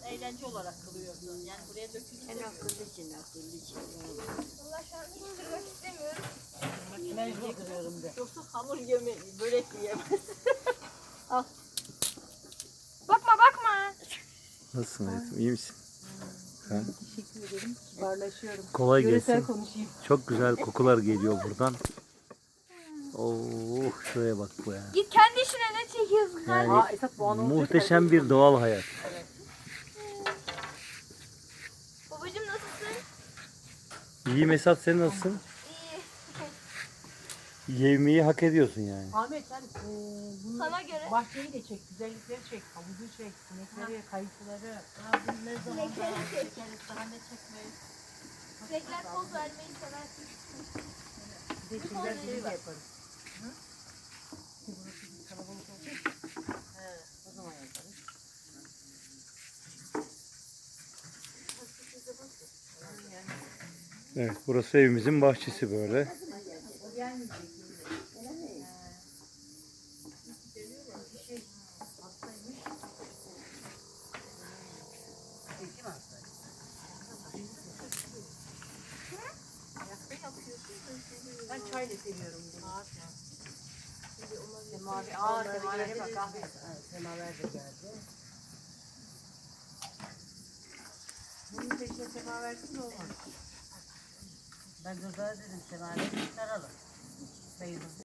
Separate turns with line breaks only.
eğlence olarak kılıyordu. Yani buraya dökülüyor.
En akıllıcın.
Valla şu an hiç kırmak istemiyorum.
Mecbur kırıyorum de. Yoksa hamur yemeyi, börek yiyemez.
Bakma bakma.
Nasılsın hayatım? İyi misin? Ha?
Teşekkür ederim. Kibarlaşıyorum.
Kolay
Yöresel
gelsin.
konuşayım.
Çok güzel kokular geliyor buradan. Oh şuraya bak bu ya.
Git kendi işine ne çekiyorsun kardeşim?
Yani
Esat bu an olacak.
muhteşem bir doğal hayat.
Babacım nasılsın?
İyi Mesat, sen nasılsın?
İyi.
Yevmiyi hak ediyorsun yani.
Ahmet sen bunu
Sana göre.
bahçeyi de çek, güzellikleri çek, havuzu çek, sinekleri, kayıkları. Ne zaman
Sinekleri çek.
daha ne çekmeyiz.
Sinekler poz vermeyi seversin.
Bir de şeyler gibi de yaparız. Hı? Burası bir kalabalık olacak. He, o zaman yaparız.
Evet, burası evimizin bahçesi böyle.
Ben çayla seviyorum bunu. Semaver, semaverlere bak Ahmet. Semaver de geldi. Bunun peşine semaversiz olmaz. Ben Gırda'ya dedim semaver saralım. Sayılır.